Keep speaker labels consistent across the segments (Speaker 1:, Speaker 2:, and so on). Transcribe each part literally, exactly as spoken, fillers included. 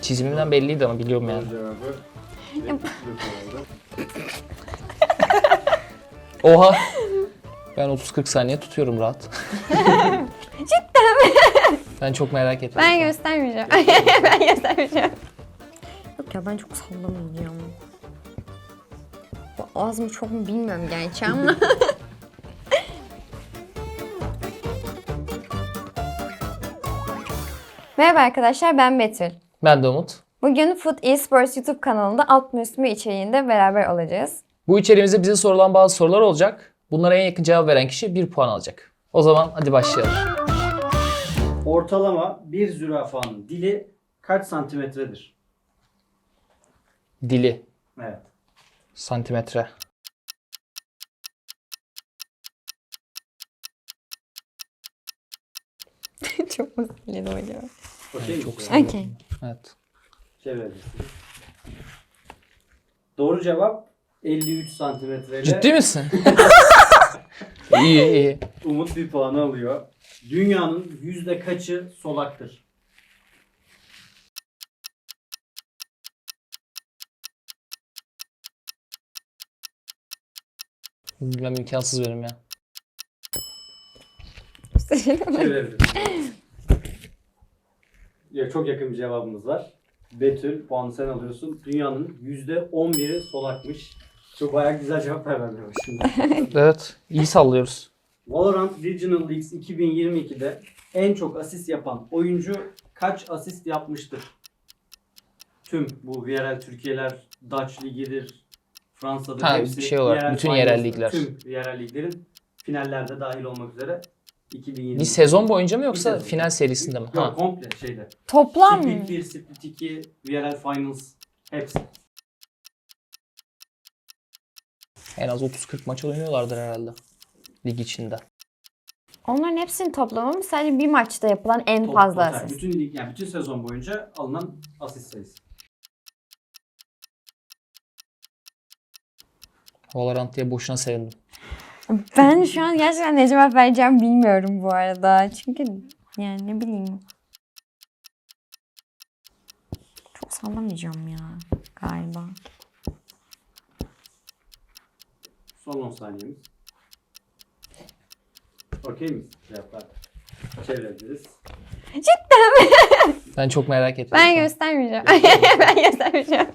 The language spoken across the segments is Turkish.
Speaker 1: Çizimimden belliydi ama biliyorum yani. Oha. Ben otuz kırk saniye tutuyorum rahat.
Speaker 2: Cidden mi?
Speaker 1: Ben çok merak ettim.
Speaker 2: Ben göstermeyeceğim. Ben göstermeyeceğim. Yok ya ben çok sallamayacağım. Bu az mı çok mu bilmiyorum gerçi ama. Merhaba arkadaşlar, ben Betül.
Speaker 1: Ben de Umut.
Speaker 2: Bugün Food Esports YouTube kanalında alt mı üst mü içeriğinde beraber olacağız.
Speaker 1: Bu içeriğimizde bize sorulan bazı sorular olacak. Bunlara en yakın cevap veren kişi bir puan alacak. O zaman hadi başlayalım.
Speaker 3: Ortalama bir zürafanın dili kaç santimetredir?
Speaker 1: Dili.
Speaker 3: Evet.
Speaker 1: Santimetre.
Speaker 2: Çok mu sinirli acaba?
Speaker 3: Okey
Speaker 1: çok
Speaker 3: mi?
Speaker 1: sağ ol.
Speaker 2: Okey.
Speaker 1: Evet.
Speaker 3: Çevirebilirsiniz. Doğru cevap elli üç santimetreyle.
Speaker 1: Ciddi misin? İyi iyi.
Speaker 3: Umut bir puanı alıyor. Dünyanın yüzde kaçı solaktır?
Speaker 1: Ben imkansız benim ya.
Speaker 3: Çevirebilirsiniz. Ya, çok yakın bir cevabımız var. Betül, puanı sen alıyorsun. Dünyanın yüzde on biri solakmış. Çok bayağı güzel cevaplar vermeye başladı.
Speaker 1: Evet. İyi sallıyoruz.
Speaker 3: Valorant Regional Leagues iki bin yirmi ikide en çok asist yapan oyuncu kaç asist yapmıştır? Tüm bu V R L Türkiye'ler, Dutch Ligi'dir, Fransa'dır
Speaker 1: Ha,
Speaker 3: hepsi.
Speaker 1: bir şey olarak,
Speaker 3: yerel
Speaker 1: bütün
Speaker 3: finalist,
Speaker 1: yerel ligler.
Speaker 3: Tüm yerel liglerin finallerde dahil olmak üzere iki bin yirmi.
Speaker 1: Bir sezon boyunca mı
Speaker 3: Bir
Speaker 1: yoksa
Speaker 3: sezon.
Speaker 1: final serisinde mi?
Speaker 3: Yok,
Speaker 1: Ha.
Speaker 3: komple şeyde.
Speaker 2: Toplam mı?
Speaker 3: Split bir, Split iki, V R L Finals hepsi.
Speaker 1: En az otuz kırk maç oynuyorlardır herhalde. Lig içinde.
Speaker 2: Onların hepsinin toplamı mı? Sadece bir maçta yapılan en
Speaker 3: Top-
Speaker 2: fazla
Speaker 3: total,
Speaker 2: asist.
Speaker 3: Bütün lig yani bütün sezon boyunca alınan asist sayısı.
Speaker 1: Valorant diye boşuna sevindim.
Speaker 2: Ben şu an gerçekten ne cevap vereceğim bilmiyorum bu arada. Çünkü yani ne bileyim. Çok sallamayacağım ya galiba.
Speaker 3: Son on saniyemiz. Okey miyiz cevaplar? Çevirebiliriz.
Speaker 1: Ben çok merak ettim.
Speaker 2: Ben göstermeyeceğim. Ben göstermeyeceğim.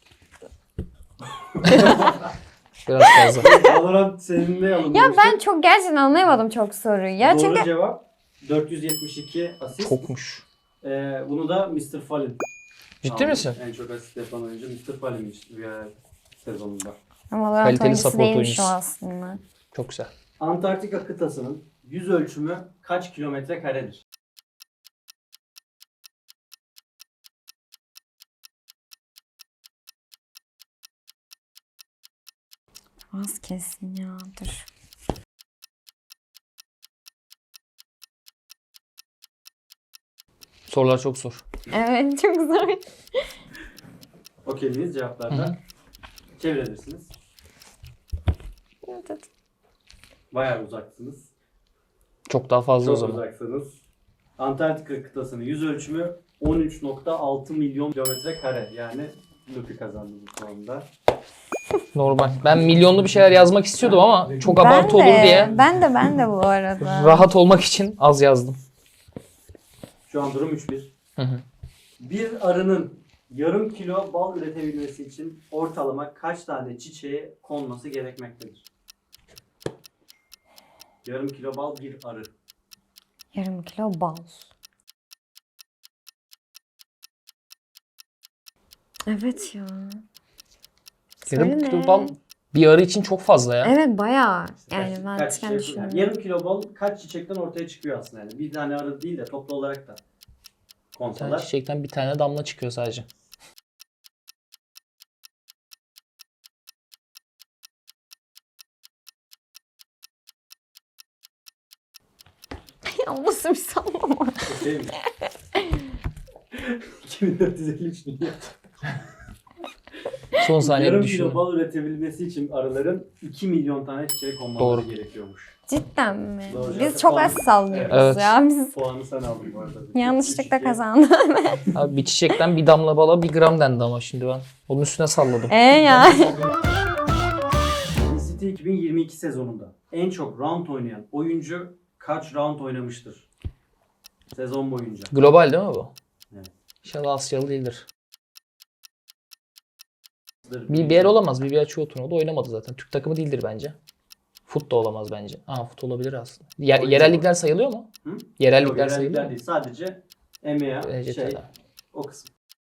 Speaker 1: Biraz fazla.
Speaker 3: Valorant senin ne alınmıştı?
Speaker 2: Ya ben çok gerçekten anlayamadım çok soruyu. Ya
Speaker 3: Doğru
Speaker 2: çünkü
Speaker 3: cevap dört yüz yetmiş iki asist.
Speaker 1: Çokmuş.
Speaker 3: Ee, bunu da mister Fallen.
Speaker 1: Ciddi
Speaker 3: aldı.
Speaker 1: misin?
Speaker 3: En çok asist yapan oyuncu mister Fallen'miş diğer sezonunda.
Speaker 2: ama Valorant
Speaker 1: Kaliteli
Speaker 2: oyuncusu
Speaker 1: support
Speaker 2: değilmiş o
Speaker 1: oyuncusu.
Speaker 2: aslında.
Speaker 1: Çok güzel.
Speaker 3: Antarktika kıtasının yüz ölçümü kaç kilometre karedir?
Speaker 2: Az kesin ya dur.
Speaker 1: Sorular çok zor.
Speaker 2: Evet çok zor.
Speaker 3: Okey miyiz cevaplarda?
Speaker 1: Hı hı.
Speaker 3: Çevirebilirsiniz. Bayağı uzaksınız.
Speaker 1: Çok daha fazla o
Speaker 3: Çok
Speaker 1: zaman.
Speaker 3: uzaksınız. Antarktika kıtasının yüz ölçümü on üç nokta altı milyon kilometre kare. Yani Luffy kazandı bu konuda.
Speaker 1: Normal. Ben milyonlu bir şeyler yazmak istiyordum ama çok
Speaker 2: Ben
Speaker 1: abartı
Speaker 2: de,
Speaker 1: olur diye
Speaker 2: Ben de ben de bu arada.
Speaker 1: rahat olmak için az yazdım.
Speaker 3: Şu an durum üç bir.
Speaker 1: Hı hı.
Speaker 3: Bir arının yarım kilo bal üretebilmesi için ortalama kaç tane çiçeğe konması gerekmektedir? Yarım kilo bal bir arı.
Speaker 2: Yarım kilo bal. Evet ya.
Speaker 1: Yarım
Speaker 2: Söyle
Speaker 1: kilo
Speaker 2: ne?
Speaker 1: bal bir arı için çok fazla ya.
Speaker 2: Evet bayağı. Yani
Speaker 3: Kaç-
Speaker 2: ben
Speaker 3: kaç
Speaker 2: çıkan
Speaker 3: çiçek-
Speaker 2: düşünüyorum.
Speaker 3: yani yarım kilo bal kaç çiçekten ortaya çıkıyor aslında yani. Bir tane arı değil de toplu olarak da
Speaker 1: Bir tane
Speaker 3: konsalar.
Speaker 1: çiçekten bir tane damla çıkıyor sadece.
Speaker 2: Ya nasıl bir sallama?
Speaker 3: Şey mi? iki bin dört yüz elli üç milyon.
Speaker 1: Son saniye
Speaker 3: Yarım
Speaker 1: bir
Speaker 3: kilo
Speaker 1: düşünün.
Speaker 3: bal üretebilmesi için arıların iki milyon tane çiçeğe konmaları
Speaker 1: Doğru.
Speaker 3: gerekiyormuş.
Speaker 2: Cidden mi?
Speaker 3: Doğru
Speaker 2: Biz
Speaker 3: cevap.
Speaker 2: çok
Speaker 3: Puan-
Speaker 2: az sallıyoruz
Speaker 1: Evet.
Speaker 2: ya. Biz
Speaker 3: Puanı sen aldın bu arada.
Speaker 2: yanlışlıkla
Speaker 3: Üç iki.
Speaker 2: kazandık.
Speaker 1: Abi bir çiçekten bir damla bala bir gram dendi ama şimdi ben. Onun üstüne salladım.
Speaker 2: E ya.
Speaker 3: City iki bin yirmi iki sezonunda en çok round oynayan oyuncu kaç round oynamıştır? Sezon boyunca.
Speaker 1: Global değil mi bu?
Speaker 3: Evet.
Speaker 1: İnşallah Asyalı değildir. B B L olamaz. B B L çoğu turnuvada oynamadı zaten. Türk takımı değildir bence. Fut da olamaz bence. Aa fut olabilir aslında. Yer,
Speaker 3: Oyuncu
Speaker 1: yerel
Speaker 3: mu?
Speaker 1: ligler sayılıyor mu?
Speaker 3: Hı?
Speaker 1: Yerel
Speaker 3: Yok,
Speaker 1: ligler
Speaker 3: yerel
Speaker 1: sayılıyor
Speaker 3: ligler
Speaker 1: mu?
Speaker 3: değil. Sadece E M E A
Speaker 1: E C
Speaker 3: şey
Speaker 1: T'ler.
Speaker 3: o kısım.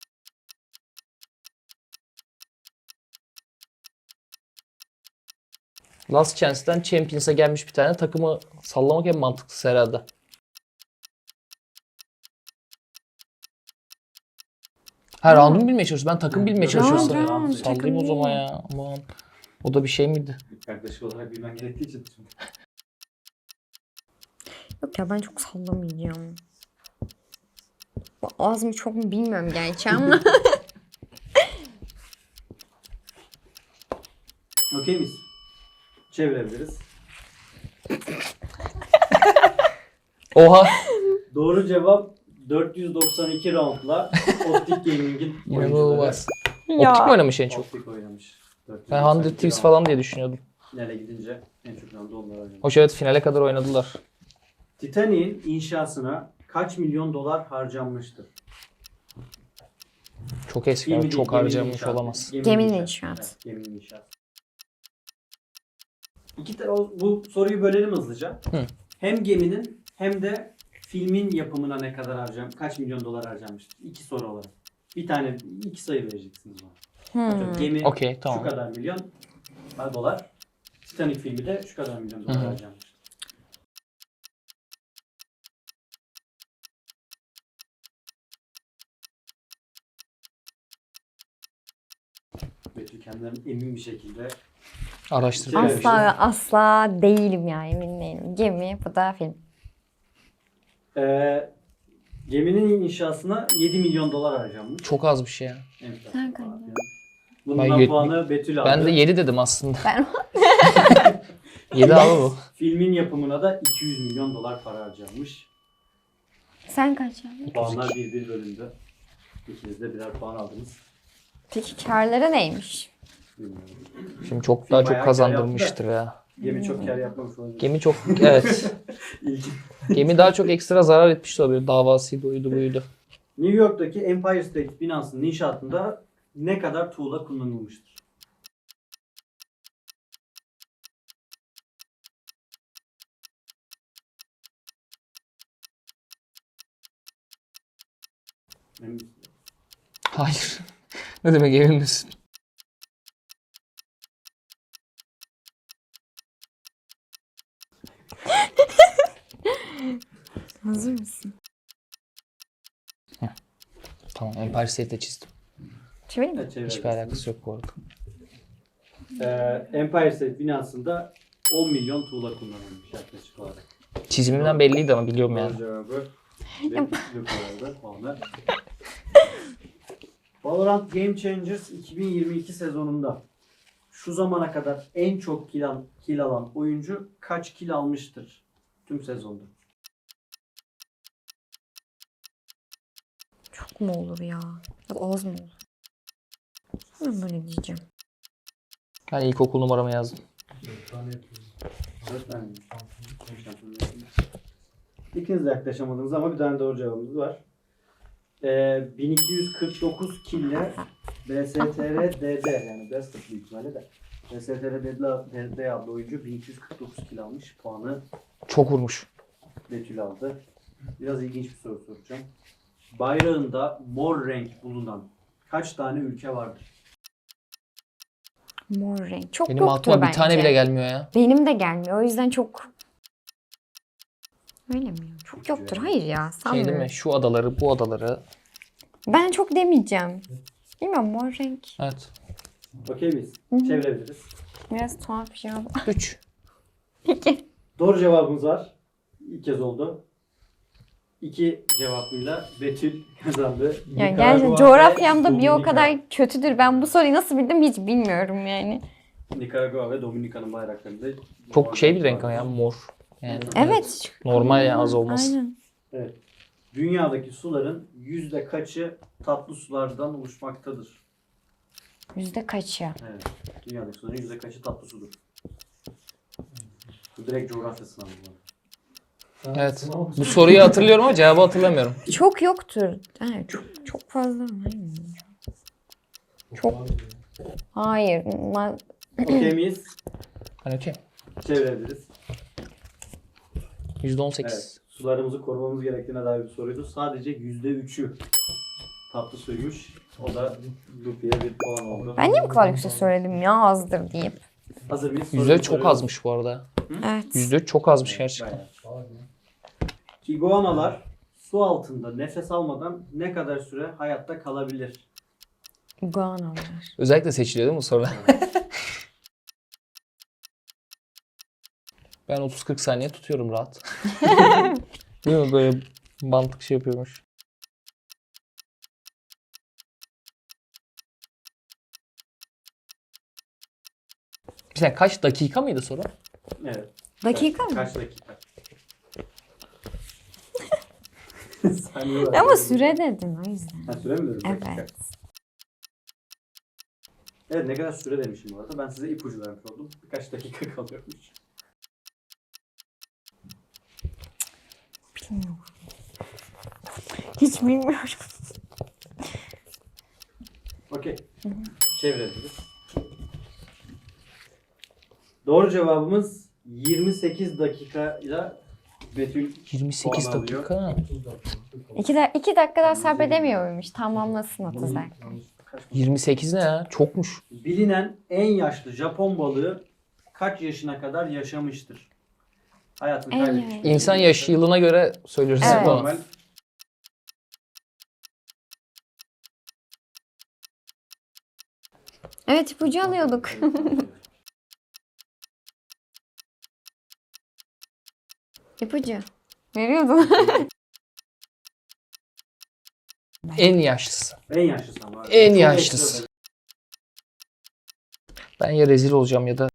Speaker 1: Last Chance'den Champions'a gelmiş bir tane takımı sallamak en mantıklısı herhalde. Ha round'u mu bilmeye çalışıyorsun? Ben takım bilmeye
Speaker 3: Round,
Speaker 1: çalışıyorum.
Speaker 2: round,
Speaker 1: Sallayayım
Speaker 2: takım
Speaker 1: o zaman
Speaker 2: değil.
Speaker 1: ya. Aman. O da bir şey miydi?
Speaker 3: Yaklaşık olarak bilmen gerektiği için.
Speaker 2: Yok ya ben çok sallamayacağım. Bu az mı çok mu bilmiyorum gerçi ama.
Speaker 3: Okey miyiz? Çevirebiliriz.
Speaker 1: Oha.
Speaker 3: Doğru cevap dört yüz doksan iki roundla Optic Gaming'in oyuncuları.
Speaker 1: İnanılmaz. Optik mi oynamış en çok?
Speaker 3: Optic oynamış.
Speaker 1: Ben yüz Thieves falan diye düşünüyordum.
Speaker 3: Finale gidince en çok roundu onlar oynamış.
Speaker 1: Hoş evet finale kadar oynadılar.
Speaker 3: Titanic'in inşasına kaç milyon dolar harcanmıştır?
Speaker 1: Çok eski
Speaker 3: Gemi
Speaker 1: abi,
Speaker 3: değil,
Speaker 1: çok
Speaker 3: geminin
Speaker 1: harcamış
Speaker 3: inşaatı.
Speaker 1: olamaz.
Speaker 2: Geminin inşaatı.
Speaker 3: Evet, geminin inşaatı. İki ta- o- bu soruyu bölelim hızlıca.
Speaker 1: Hı.
Speaker 3: Hem geminin hem de filmin yapımına ne kadar harcam, kaç milyon dolar harcanmıştır? İki soru olarak. Bir tane, iki sayı vereceksiniz bana. Atıyorum,
Speaker 2: Hmm.
Speaker 3: Gemi
Speaker 1: Okey, tamam.
Speaker 3: şu kadar milyon ha, dolar. Titanic filmi de şu kadar milyon dolar
Speaker 1: Hı hı.
Speaker 3: harcanmıştır. Betül kendinden emin bir şekilde
Speaker 1: Araştırdım.
Speaker 3: Şey-
Speaker 2: Asla ve asla değilim yani emin değilim. Gemi bu da film.
Speaker 3: Ee, geminin inşasına yedi milyon dolar harcanmış.
Speaker 1: Çok az bir şey ya.
Speaker 3: Enflasyon
Speaker 2: Sen
Speaker 3: falan
Speaker 2: kaç?
Speaker 3: filan. Bundan
Speaker 1: Ben yet-
Speaker 3: puanı Betül aldı.
Speaker 1: Ben de yedi dedim aslında.
Speaker 2: Ben
Speaker 1: yedi abi bu.
Speaker 3: Filmin yapımına da iki yüz milyon dolar para harcanmış.
Speaker 2: Sen kaç yaptın?
Speaker 3: Puanlar bir bir bölündü. İkiniz de birer puan aldınız.
Speaker 2: Peki karları neymiş?
Speaker 3: Bilmiyorum.
Speaker 1: Şimdi çok
Speaker 3: Film
Speaker 1: daha
Speaker 3: bayağı
Speaker 1: çok
Speaker 3: kar
Speaker 1: kazandırmıştır ya.
Speaker 3: Gemi çok kar yapmamış olabilir.
Speaker 1: Gemi çok evet.
Speaker 3: İlk-
Speaker 1: Gemi daha çok ekstra zarar etmiş olabilir. Davasıydı, oydu buydu.
Speaker 3: New York'taki Empire State binasının inşaatında ne kadar tuğla kullanılmıştır? Emin misin?
Speaker 1: Hayır. Ne demek emin misin?
Speaker 2: Hazır mısın?
Speaker 1: Tamam, Empire State'de çizdim.
Speaker 2: Çevireyim mi?
Speaker 3: Evet,
Speaker 1: Hiçbir
Speaker 3: çevirebilirsiniz.
Speaker 1: alakası yok bu arada.
Speaker 3: Ee, Empire State binasında on milyon tuğla kullanılmış yaklaşık olarak.
Speaker 1: Çizimimden belliydi ama biliyorum
Speaker 3: Doğru
Speaker 1: yani.
Speaker 3: cevabı Betül koyardı puanı. Valorant Game Changers iki bin yirmi iki sezonunda şu zamana kadar en çok kill, al- kill alan oyuncu kaç kill almıştır tüm sezonda?
Speaker 2: Çok mu olur ya? Ya da az mı olur? Ben böyle diyeceğim.
Speaker 1: Ben ilkokul numaramı yazdım.
Speaker 3: Dört tane mi? İkiniz de yaklaşamadınız ama bir tane doğru cevabımız var. Ee, bin iki yüz kırk dokuz kille B S T R D D yani Best of büyük ihtimalle de B S T R D D adlı oyuncu bin iki yüz kırk dokuz kill almış. Puanı
Speaker 1: Çok vurmuş.
Speaker 3: Betül aldı. Biraz ilginç bir soru soracağım. Bayrağında mor renk bulunan kaç tane ülke vardır?
Speaker 2: Mor renk. Çok
Speaker 1: Benim
Speaker 2: yoktur
Speaker 1: aklıma
Speaker 2: bence.
Speaker 1: bir tane bile gelmiyor ya.
Speaker 2: Benim de gelmiyor. O yüzden çok... Öyle mi? Çok yoktur. Hayır ya.
Speaker 1: Şey değil
Speaker 2: Sanmıyorum.
Speaker 1: mi? Şu adaları, bu adaları.
Speaker 2: Ben çok demeyeceğim. Bilmiyorum mor renk.
Speaker 1: Evet.
Speaker 3: Okey miyiz?
Speaker 2: Hı hı.
Speaker 3: Çevirebiliriz.
Speaker 2: Biraz tuhaf bir şey oldu.
Speaker 1: üç.
Speaker 2: İki.
Speaker 3: Doğru cevabımız var. İlk kez oldu. iki cevabıyla Betül kazandı.
Speaker 2: Yani
Speaker 3: Nikaragua
Speaker 2: gerçekten
Speaker 3: ve
Speaker 2: coğrafyamda bir o
Speaker 3: Dominika.
Speaker 2: kadar kötüdür. Ben bu soruyu nasıl bildim hiç bilmiyorum yani.
Speaker 3: Nikaragua ve Dominika'nın bayraklarında
Speaker 1: Çok şey bir renk ama ya, mor. Yani
Speaker 2: Evet.
Speaker 1: normal ya, az olmaz.
Speaker 2: Aynen.
Speaker 3: Evet. Dünyadaki suların yüzde kaçı tatlı sulardan oluşmaktadır?
Speaker 2: Yüzde kaçı?
Speaker 3: Evet. Dünyadaki suların yüzde kaçı tatlı sudur? Bu direkt coğrafya sınavı bu.
Speaker 1: Evet. Bu soruyu hatırlıyorum ama cevabı hatırlamıyorum.
Speaker 2: Çok yoktur. Ha, çok çok fazla. Hayır. Çok. Hayır. Ma-
Speaker 3: Okey miyiz?
Speaker 1: Hani okey.
Speaker 3: Çevirebiliriz.
Speaker 1: yüzde on sekiz.
Speaker 3: Evet. Sularımızı korumamız gerektiğine dair bir soruydu. Sadece yüzde üçü tatlı suymuş. O da Lupi'ye bir puan oldu.
Speaker 2: Ben niye bu kadar yüksek söyledim ya azdır deyip.
Speaker 3: Hazır mıyız?
Speaker 1: yüzde
Speaker 3: Soruyu
Speaker 1: çok
Speaker 3: soruyorum.
Speaker 1: azmış bu arada.
Speaker 2: Evet.
Speaker 1: yüzde üç çok azmış gerçekten.
Speaker 3: Bayağı. İguanalar su altında nefes almadan ne kadar süre hayatta kalabilir?
Speaker 2: Iguanalar.
Speaker 1: Özellikle seçiliyor değil mi bu sorular? Ben otuz kırk saniye tutuyorum rahat. Değil mi? Böyle mantık şey yapıyormuş. Bir saniye, kaç dakika mıydı soru?
Speaker 3: Evet.
Speaker 2: Dakika
Speaker 3: Kaç-
Speaker 2: mı?
Speaker 3: Kaç dakika? Saniye var.
Speaker 2: Ama süre dedin o yüzden.
Speaker 3: Ha, süre mi dedim? Dakika.
Speaker 2: Evet.
Speaker 3: Evet, ne kadar süre demişim bu arada. Ben size ipucu vermiş oldum. Birkaç dakika kalıyormuş.
Speaker 2: Bilmiyorum. Hiç bilmiyorum.
Speaker 3: Okey. Çevirebiliriz. Doğru cevabımız yirmi sekiz dakikayla Betül
Speaker 1: yirmi sekiz
Speaker 3: puan alıyor.
Speaker 1: dakika.
Speaker 2: İki, da iki dakika daha sabredemiyor muymuş? Tamamlasın otuz dakika.
Speaker 1: yirmi sekiz ne ya? Çokmuş.
Speaker 3: Bilinen en yaşlı Japon balığı kaç yaşına kadar yaşamıştır? Hayatını
Speaker 2: En
Speaker 3: kaybetmiş.
Speaker 2: yaşlı.
Speaker 1: İnsan yaş yılına göre söylüyoruz
Speaker 2: Evet.
Speaker 1: ama.
Speaker 3: Normal.
Speaker 2: Evet ipucu alıyorduk. İpucu. Veriyordun.
Speaker 1: En yaşlısı.
Speaker 3: En yaşlısı ama.
Speaker 1: En
Speaker 3: Çok
Speaker 1: yaşlısı.
Speaker 3: ekstra.
Speaker 1: Ben ya rezil olacağım ya da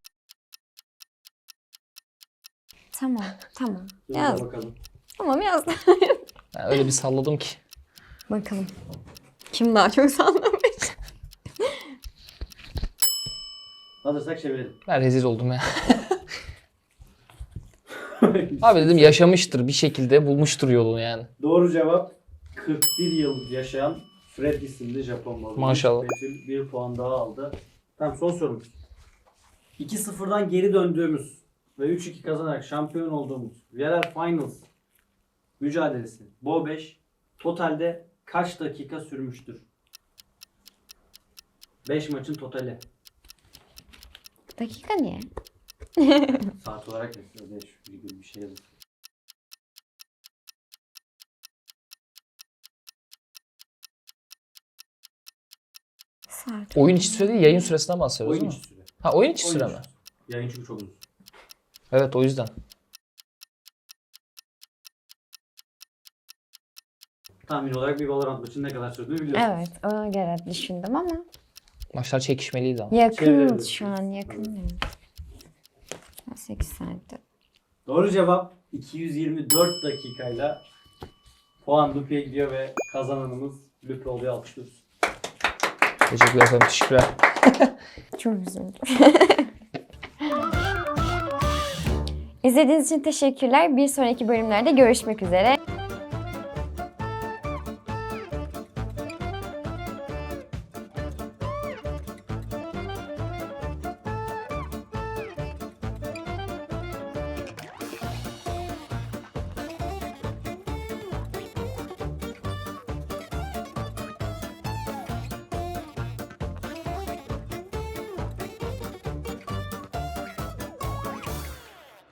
Speaker 2: Tamam tamam.
Speaker 3: Dur
Speaker 2: Yaz.
Speaker 3: bakalım.
Speaker 2: Tamam yaz.
Speaker 1: ben öyle bir salladım ki.
Speaker 2: Bakalım. Kim daha çok sallamış?
Speaker 3: Hazırsak çevirelim.
Speaker 1: Ben rezil oldum ya. Abi dedim yaşamıştır bir şekilde, bulmuştur yolunu yani.
Speaker 3: Doğru cevap kırk bir yıl yaşayan Fred isimli Japon balığı.
Speaker 1: Maşallah.
Speaker 3: Betül bir puan daha aldı. Tamam, son sorumuz. iki sıfırdan geri döndüğümüz ve üç iki kazanarak şampiyon olduğumuz yerel finals mücadelesi Bo beş totalde kaç dakika sürmüştür? beş maçın totali.
Speaker 2: Dakika niye?
Speaker 3: Saat olarak mesela beş virgül bir şey yazıyor.
Speaker 2: Saat.
Speaker 1: Oyun içi süre değil, yayın süresinden bahsediyoruz
Speaker 3: Oyun
Speaker 1: değil mi?
Speaker 3: içi süre.
Speaker 1: Ha, oyun içi
Speaker 3: Oyun
Speaker 1: süre
Speaker 3: içi
Speaker 1: mi?
Speaker 3: süre. Yayın çünkü çok uzun.
Speaker 1: Evet, o yüzden.
Speaker 3: Tahmin olarak bir Valorant maçının ne kadar sürdüğünü biliyorsunuz.
Speaker 2: Evet ona göre düşündüm ama
Speaker 1: Maçlar çekişmeliydi ama.
Speaker 2: yakın
Speaker 3: Çevirebiliriz.
Speaker 2: şu an yakın. değil. sekiz saatte.
Speaker 3: Doğru cevap iki yüz yirmi dört dakikayla puan Lupi'ye gidiyor ve kazananımız Lupi oluyor. Alkışlıyoruz.
Speaker 1: Teşekkürler efendim, teşekkürler.
Speaker 2: Çok üzüldüm. İzlediğiniz için teşekkürler. Bir sonraki bölümlerde görüşmek üzere.